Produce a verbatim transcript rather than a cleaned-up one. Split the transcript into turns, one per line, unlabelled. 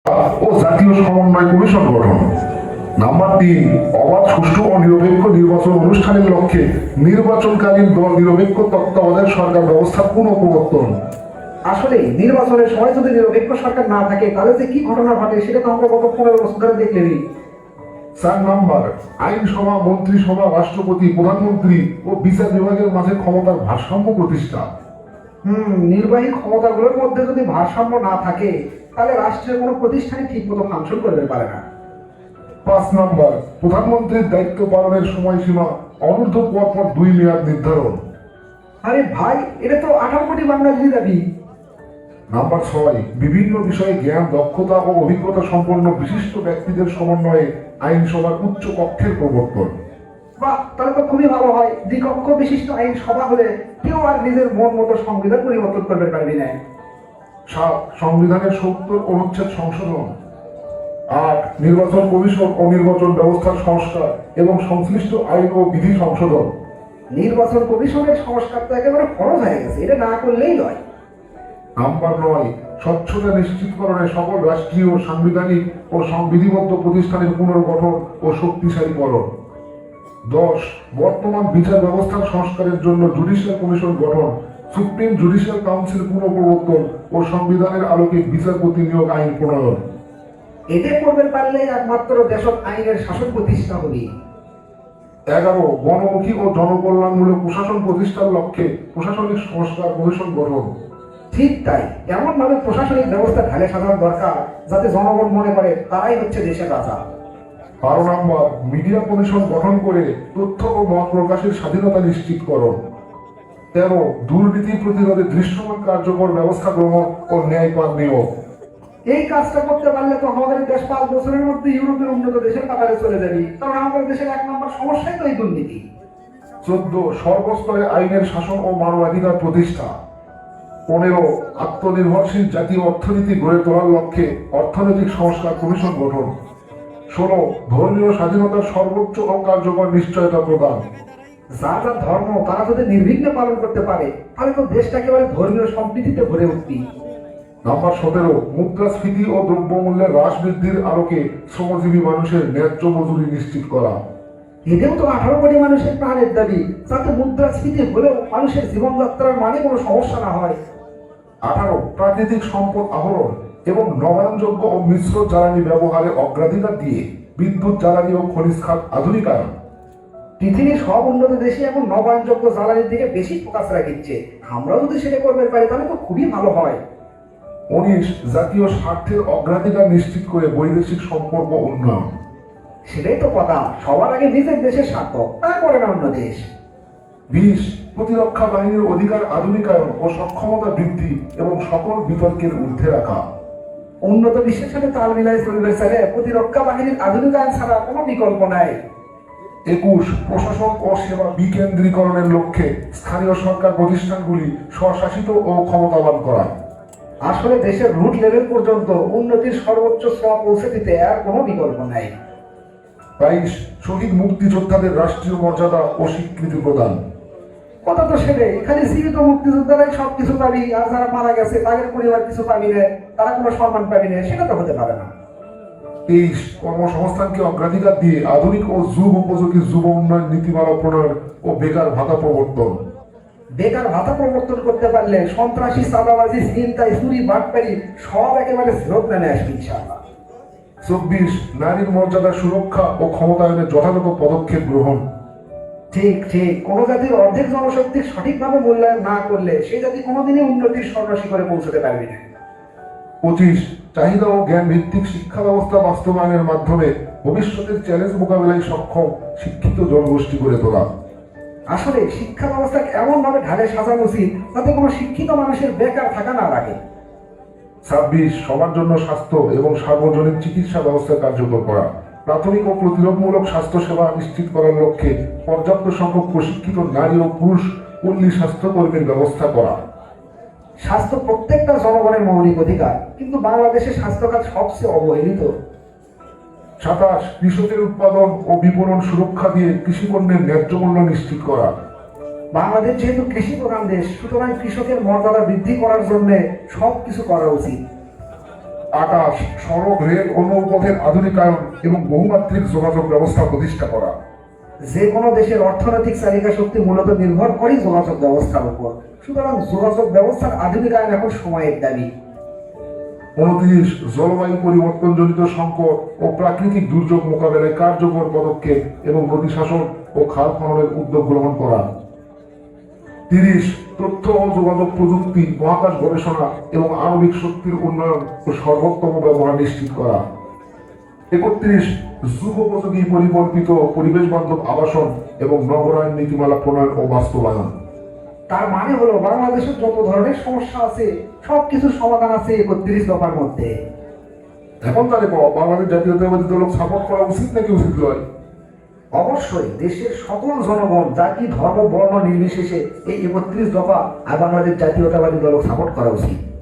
ও জাতীয় সমন্বয় কমিশন গঠন। নাম্বার তিন, অবাধ, সুষ্ঠু ও নিরপেক্ষ নির্বাচন অনুষ্ঠানের লক্ষ্যে নির্বাচনকালীন দল নিরপেক্ষ তত্ত্বাবধায়ক সরকার ব্যবস্থার পুনঃপ্রবর্তন।
আসলে নির্বাচনের সময় যদি নিরপেক্ষ সরকার না থাকে তাহলে যে কি ঘটনা ঘটে সেটা তো আমরা গত পনেরো বছর ধরে দেখলেনি।
চার নাম্বার, আইনসভা, মন্ত্রিসভা, রাষ্ট্রপতি, প্রধানমন্ত্রী ও বিচার বিভাগের মাঝে ক্ষমতার ভারসাম্য প্রতিষ্ঠা।
হুম নির্বাহী ক্ষমতাগুলোর মধ্যে যদি ভারসাম্য না থাকে তাহলে রাষ্ট্রের কোনো প্রতিষ্ঠানই ঠিক মতো ফাংশন করতে পারে না।
পাঁচ নাম্বার, প্রধানমন্ত্রীর দায়িত্ব পালনের সময়সীমা অনূর্ধ্ব পরপর দুই মেয়াদ নির্ধারণ।
আরে ভাই, এটা তো আঠারো কোটি বাঙালির দাবি।
নাম্বার ছয়, বিভিন্ন বিষয়ে জ্ঞান, দক্ষতা ও অভিজ্ঞতা সম্পন্ন বিশিষ্ট ব্যক্তিদের সমন্বয়ে আইনসভার উচ্চ কক্ষের প্রবর্তন।
বাহ, তাহলে তো খুবই ভালো হয়। দ্বিকক্ষ বিশিষ্ট আইন সভা হলে কেউ আর নিজের মন মতো সংবিধান পরিবর্তন করতে পারবি না।
সাত, সংবিধানের সত্তর অনুচ্ছেদ সংশোধন। আট, নির্বাচন কমিশন ও নির্বাচন ব্যবস্থার সংস্কার এবং সংশ্লিষ্ট আইন ও বিধি সংশোধন।
নির্বাচন কমিশনের সংস্কার তো একেবারে ফরজ হয়ে গেছে, এটা না করলেই নয়।
নাম্বার নয়, স্বচ্ছতা নিশ্চিতকরণে সকল রাষ্ট্রীয়, সাংবিধানিক ও সংবিধিবদ্ধ প্রতিষ্ঠানের পুনর্গঠন ও শক্তিশালীকরণ। দশ, বর্তমান বিচার ব্যবস্থার সংস্কারের জন্য জুডিশিয়াল কমিশন গঠন, সুপ্রিম জুডিশিয়াল কাউন্সিল পুনঃপ্রবর্তন ও সংবিধানের আলোকে বিচারপতি নিয়োগ আইন প্রণয়ন।
এটা করবে পারলে একমাত্র দেশত আইনের শাসন প্রতিষ্ঠা হবে।
এগারো, গণমুখী ও জনকল্যাণমূলক প্রশাসন প্রতিষ্ঠার লক্ষ্যে প্রশাসনিক সংস্কার কমিশন গঠন।
ঠিক তাই, এমন ভাবে প্রশাসনিক ব্যবস্থা ঢালে সাজানো দরকার যাতে জনগণ মনে করে তারাই হচ্ছে দেশের রাজা।
বারো নম্বর, মিডিয়া কমিশন গঠন করে তথ্য ও মত প্রকাশের স্বাধীনতা নিশ্চিতকরণ। তেরো, দুর্নীতি প্রতিরোধে দৃশ্যমান কার্যকর ব্যবস্থা গ্রহণ ও ন্যায়পাল নিয়োগ।
এই কাজটা করতে পারলে তো আমাদের দেশ পাঁচ বছরের মধ্যে ইউরোপের উন্নত দেশের কাতারে চলে যাবে, কারণ আমাদের দেশের এক নম্বর সমস্যাই তো এই দুর্নীতি।
চোদ্দ, সর্বস্তরে আইনের শাসন ও মানবাধিকার প্রতিষ্ঠা। পনেরো, আত্মনির্ভরশীল জাতীয় অর্থনীতি গড়ে তোলার লক্ষ্যে অর্থনৈতিক সংস্কার কমিশন গঠন। ষোলো, ধর্মীয় স্বাধীনতার সর্বোচ্চ ও কার্যকর নিশ্চয়তা প্রদান।
যার যার ধর্ম তারা যদি নির্বিঘ্নে পালন করতে পারে তাহলে তো দেশটা একেবারে ধর্মীয় সম্প্রীতিতে ভরে উঠবে।
নাম্বার সতেরো, মুদ্রাস্ফীতি ও দ্রব্যমূল্যের হ্রাস বৃদ্ধির আলোকে শ্রমজীবী মানুষের ন্যায্য মজুরি নিশ্চিত করা।
এটাও তো আঠারো কোটি মানুষের প্রাণের দাবি, যাতে মুদ্রাস্ফীতি হলেও মানুষের জীবনযাত্রার মানে কোনো সমস্যা না হয়।
আঠারো, প্রাকৃতিক সম্পদ আহরণ এবং নবায়নযোগ্য ও মিশ্র জ্বালানি ব্যবহারে অগ্রাধিকার দিয়ে বিদ্যুৎ জ্বালানি ও খনিজ খাত আধুনিকায়ন।
পৃথিবীর সব উন্নত দেশে এখন নবায়নযোগ্য জ্বালানির দিকে বেশি ফোকাস রাখছে, আমরাও যদি সেটা করতে পারি তাহলে তো খুবই ভালো হয়।
উনিশ, জাতীয় স্বার্থের অগ্রাধিকার নিশ্চিত করে বৈদেশিক সম্পর্ক উন্নয়ন।
সেটাই তো কথা, সবার আগে নিজের দেশের স্বার্থ, তারপরে না অন্য দেশ।
বিশ, প্রতিরক্ষা বাহিনীর অধিকার আধুনিকায়ন ও সক্ষমতা বৃদ্ধি এবং সকল বিতর্কের ঊর্ধ্বে রাখা।
উন্নত বিশ্বের সাথে তাল মিলাই চলবে ছেলে, প্রতিরক্ষা বাহিনীর আধুনিকায়ন ছাড়া কোনো বিকল্প নাই।
একুশ, প্রশাসন ও সেবা বিকেন্দ্রীকরণের লক্ষ্যে স্থানীয় সরকার প্রতিষ্ঠানগুলি স্বশাসিত ও ক্ষমতাবান করা।
আসলে দেশের রুট লেভেল পর্যন্ত উন্নতির সর্বোচ্চ স্তর পৌঁছে দিতে আর কোনো বিকল্প নাই।
বাইশ, শহীদ মুক্তিযোদ্ধাদের রাষ্ট্রীয় মর্যাদা ও স্বীকৃতি প্রদান।
কথা তো সেটাই, খালি জীবিত মুক্তিযোদ্ধারাই সবকিছু পাবি আর যারা মারা গেছে তাদের পরিবার কিছু পাবি না, তারা কোনো সম্মান পাবি না, সেটা তো হতে পারে না।
তেইশ, কর্মসংস্থানকে অগ্রাধিকার দিয়ে আধুনিক ও যুগ উপযোগী যুব উন্নয়ন নীতিমালা প্রণয়ন ও বেকার ভাতা প্রবর্তন।
বেকার ভাতা প্রবর্তন করতে পারলে সন্ত্রাসী, চাঁদাবাজি, ছিনতাই, চুরি, বাটপারি সব একেবারে ফেরত নেমে আসবে ইনশাআল্লাহ।
চব্বিশ, নারীর মর্যাদা সুরক্ষা ও ক্ষমতায়নের যথাযথ পদক্ষেপ গ্রহণ।
ঠিক ঠিক, কোন জাতির অর্ধেক জনশক্তির সঠিকভাবে মূল্যায়ন না করলে সেই জাতি কোনোদিনই উন্নতির স্বর্ণশিখরে পৌঁছতে পারবে না।
পঁচিশ, চাহিদা ও জ্ঞান ভিত্তিক শিক্ষা ব্যবস্থা বাস্তবায়নের মাধ্যমে ভবিষ্যতের চ্যালেঞ্জ মোকাবিলায় সক্ষম শিক্ষিত জনগোষ্ঠী গড়ে তোলা।
আসলে শিক্ষা ব্যবস্থাকে এমন ভাবে ঢালে সাজানো উচিত যাতে কোনো শিক্ষিত মানুষের বেকার থাকা না লাগে।
ছাব্বিশ, সবার জন্য স্বাস্থ্য এবং সার্বজনীন চিকিৎসা ব্যবস্থা কার্যকর করা। প্রাথমিক ও প্রতিরোধমূলক স্বাস্থ্য সেবা নিশ্চিত করার লক্ষ্যে পর্যাপ্ত সংখ্যক প্রশিক্ষিত নারী ও পুরুষ পল্লী স্বাস্থ্যকর্মীর ব্যবস্থা করা।
স্বাস্থ্য প্রত্যেকটা জনগণের মৌলিক অধিকার, কিন্তু বাংলাদেশের স্বাস্থ্য খাত সবচেয়ে অবহেলিত।
সাতাশ, কৃষকের উৎপাদন ও বিপণন সুরক্ষা দিয়ে কৃষিপণ্যের ন্যায্য মূল্য নিশ্চিত করা।
বাংলাদেশ যেহেতু কৃষি প্রধান দেশ, সুতরাং কৃষকের মর্যাদা বৃদ্ধি করার জন্য সব কিছু করা উচিত।
আকাশ, সড়ক, রেল ও নৌপথের আধুনিকায়ন এবং বহুমাত্রিক যোগাযোগ ব্যবস্থা প্রতিষ্ঠা করা।
যে কোনো দেশের অর্থনৈতিক চালিকা শক্তি মূলত নির্ভর করে যোগাযোগ ব্যবস্থার উপর, সুতরাং যোগাযোগ ব্যবস্থার আধুনিকায়ন এখন সময়ের দাবি।
উনত্রিশ, জলবায়ু পরিবর্তনজনিত সংকট ও প্রাকৃতিক দুর্যোগ মোকাবেলায় কার্যকর পদক্ষেপ এবং নদী শাসন ও খাল খননের উদ্যোগ গ্রহণ করা। তিরিশ, তথ্য ও যোগাযোগ প্রযুক্তি, মহাকাশ গবেষণা এবং আণবিক শক্তির উন্নয়ন ও সর্বোত্তম ব্যবহার নিশ্চিত করা। একত্রিশ, যুগোপযোগী পরিকল্পিত পরিবেশ বান্ধব আবাসন এবং নগরায়ণ নীতিমালা প্রণয়ন ও বাস্তবায়ন।
তার মানে হলো বাংলাদেশের যত ধরনের সমস্যা আছে সব কিছুর সমাধান আছে একত্রিশ দফার মধ্যে।
এখন তাহলে বাংলাদেশ জাতীয়তাবাদী দলক সাপোর্ট করা উচিত নাকি উচিত নয়?
অবশ্যই দেশের সকল জনগণ জাতি ধর্ম বর্ণ নির্বিশেষে এই একত্রিশ দফা আর বাংলাদেশ জাতীয়তাবাদী দলক সাপোর্ট করা উচিত।